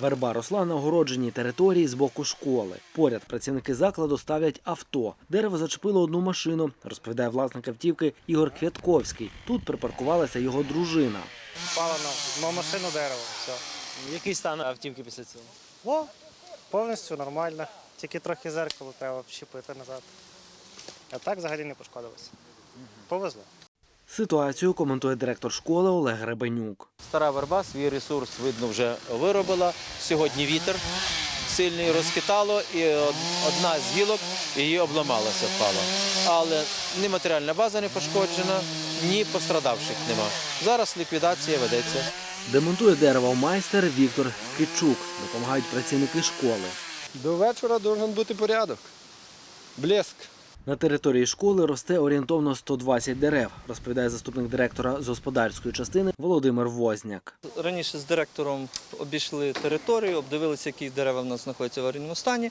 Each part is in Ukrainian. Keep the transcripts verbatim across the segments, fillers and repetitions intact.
Верба росла на огородженій території з боку школи. Поряд працівники закладу ставлять авто. Дерево зачепило одну машину, розповідає власник автівки Ігор Квятковський. Тут припаркувалася його дружина. Впало на машину дерево, все. Який стан автівки після цього? О, повністю нормально. Тільки трохи зеркало треба вщепити назад. А так взагалі не пошкодилося. Повезло. Ситуацію коментує директор школи Олег Гребенюк. Стара верба свій ресурс, видно, вже виробила. Сьогодні вітер сильний розхитало, і одна з гілок її обламалася, впала. Але ні матеріальна база не пошкоджена, ні пострадавших нема. Зараз ліквідація ведеться. Демонтує дерево майстер Віктор Кичук. Допомагають працівники школи. До вечора має бути порядок, блеск. На території школи росте орієнтовно сто двадцять дерев, розповідає заступник директора з господарської частини Володимир Возняк. Раніше з директором обійшли територію, обдивилися, які дерева в нас знаходяться в аварійному стані.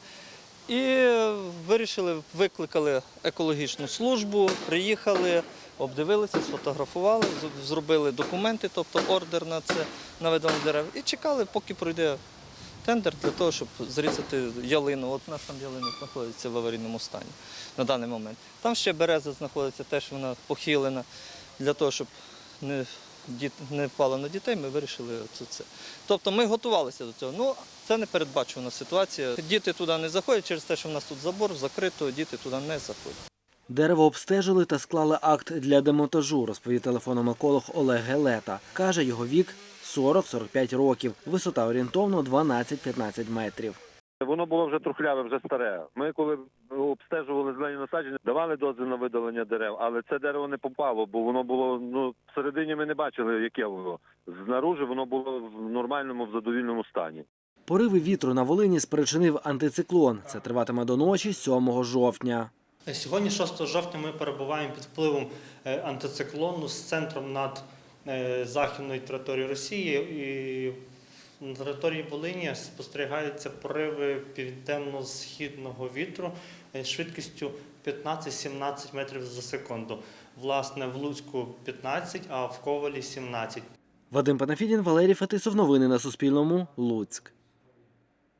І вирішили, викликали екологічну службу, приїхали, обдивилися, сфотографували, зробили документи, тобто ордер на це, на видалення дерев. І чекали, поки пройде тендер для того, щоб зрізати ялину. От у нас там ялина знаходиться в аварійному стані на даний момент. Там ще береза знаходиться, теж вона похилена. Для того, щоб не, не впало на дітей, ми вирішили це. це. Тобто ми готувалися до цього. Ну, це непередбачувана ситуація. Діти туди не заходять через те, що в нас тут забор закрито, діти туди не заходять. Дерево обстежили та склали акт для демонтажу, розповів телефоном еколог Олег Гелета. Каже, його вік сорок - сорок п'ять років, висота орієнтовно дванадцять - п'ятнадцять метрів. Воно було вже трухляве, вже старе. Ми, коли обстежували зелені насадження, давали дозвіл на видалення дерев, але це дерево не попало, бо воно було, ну, всередині ми не бачили, яке воно. Знаружи воно було в нормальному, в задовільному стані. Пориви вітру на Волині спричинив антициклон. Це триватиме до ночі сьомого жовтня. Сьогодні, шостого жовтня, ми перебуваємо під впливом антициклону з центром над західною територією Росії. І на території Волині спостерігаються пориви південно-східного вітру швидкістю п'ятнадцять - сімнадцять метрів за секунду. Власне, в Луцьку п'ятнадцять, а в Ковалі сімнадцять. Вадим Панафідін, Валерій Фетисов. Новини на Суспільному. Луцьк.